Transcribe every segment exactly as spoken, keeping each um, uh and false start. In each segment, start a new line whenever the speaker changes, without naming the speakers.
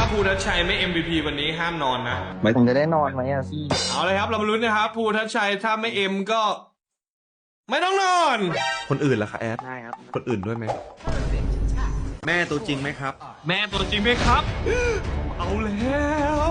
ภูทัชชัยไม่ เอ็ม วี พี วันนี้ห้ามนอนนะ
ผมจะได้นอนไหมอ่ะพี่
เอาเลยครับเรามาลุ้นนะครับภูทัชชัยถ้าไม่เอ็มก็ ไม่ต้องนอน
คนอื่นล่ะคะแอด
ได้ครับ
คนอื่นด้วยไหมแม่ตัวจริงไหมครับ
แม่ตัวจริงไหมครับเอาแล้ว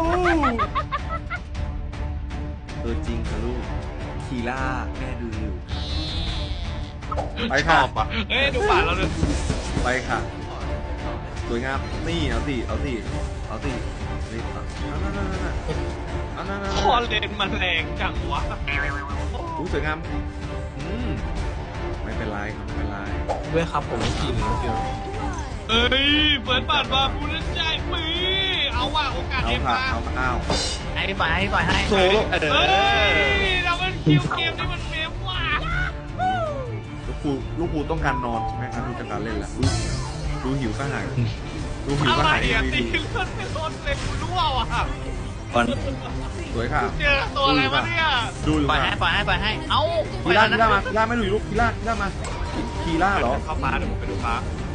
ตัวจริงค่ะลูกคีล่าแม่ดูอยู่ไปค่ะ
เอ้ยดูป่าเราเลย
ไปค่ะสวยงามนี่เอาสิเอาสิเอาสินี่เอานั่นนั่นนั่นเอานั่นนั่น
คอเลนมันแรงจังวะ
อู้สวยงามอืมไม่เป็นไรครับไม่เป็นไร
ด้วยครับผมไม่กินเดียว
เอ้ยเปิดปาดมาภูทัชชัยปีเอาว่าโอกาสเอ็มมา
เอาเอา
ให้ปล่อยให้ปล่อยให้
โซ่
เอ้ยเราเป็นคิวเกมนี่มันเมมว่ะ
ลูกครูลูกครูต้องการนอนใช่ไหมครับดูจากการเล่นแหละดูดูหิวก็หายดูหิวก็หาย
อะไรตีเลือดไม่ลดเลยกูรู้ว่ะ
สวยค่ะ
เจอตัวอะไรวะเนี่ย
ดูอยู่
ปล่อยให้ปล่อยให้ปล่อยให้เอ้า
คีล่าคีล่ามาคีล่าไม่ดูอยู่ลูกคีล่าคีล่ามาคีล่าเหรอ
เข้าฟ้าเดี๋ยวผมไปดูฟ้า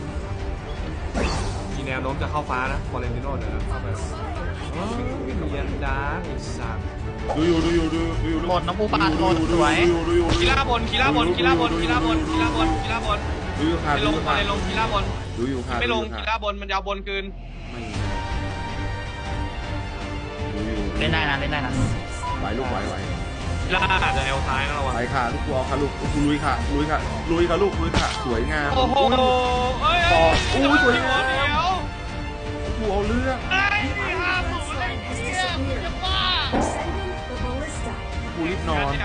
มีแนวโน้มจะเข้าฟ้านะฟอเรนติโน่เดี๋ยวเข้าไปเยียนดาอีสัตว์
ดูอยู่ดูอยู่ดูอยู่
หมดน้องผู้ปานหมดสวย
กีฬาบนกีฬาบนกีฬาบนกีฬาบนกีฬาบนกีฬาบน
ดูอยู่ค่ะ
ไม่ลงฟอเรนลงกีฬาบน
ดูอยู่ค่ะ
ไม่ลงกีฬาบนมันยาวบนคืน
เล่นได้นะเล่นได้นะ
ไหวลูกไหวไหว
กีฬาอาจจะเอลซ้ายนะเรา
ไหวค่ะลูกตัวค่ะลูกลุยค่ะลุยค่ะลุยค่ะลูกลุยค่ะสวยงาม
โอ้โหเอ้ย
อู้สวยงาม
เดี๋ยว
กูเอาเรื่อง
ไอ้ห้าหมูเลยเนี่ยจะบ้า
กูรีบนอน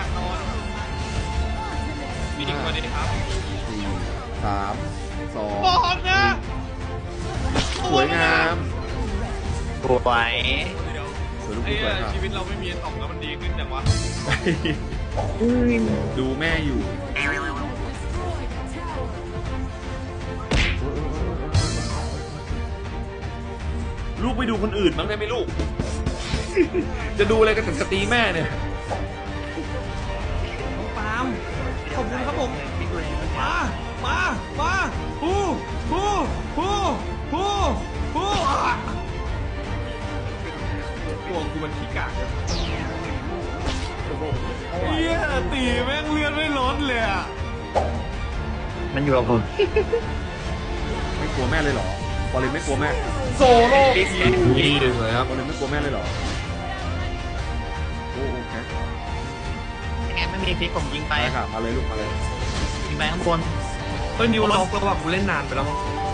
มีดิ้งมาดิครับ
สี่สามสอง
บอกนะ
สวยงาม
สวย
ไอ้ชีวิตเราไม่มีตกแล้วมันดีขึ้นจังวะ
ดูแม่อยู่ลูกไปดูคนอื่นบ้างได้ไหมลูกจะดูอะไรกันแต่สตรีแม่เนี่ย
น้องปาล์มขอบคุณครับผมมามามาฮู้ฮู้ฮู้ฮู้ฮู้ตัวกูมันขี้กากเฮียตีแม่งเลือดไม่ลดเลยอ่ะ
มันอยู่กับผม
ไม่กลัวแม่เลยเหรอบอลเลยไม่กลัวแม่โซโล่
นี่เลยครับ
บอลเลยไม่กลัวแม่เลยเหรอโอ้โอเค
ยังไงไม่มีพิกผมยิงไป
ค่ะมาเลยลูกมาเลย
ยิงไปข้างบน
เฮ้ยนิวล็อกแล้วว่ะกูเล่นนานไปแล้วมั้ง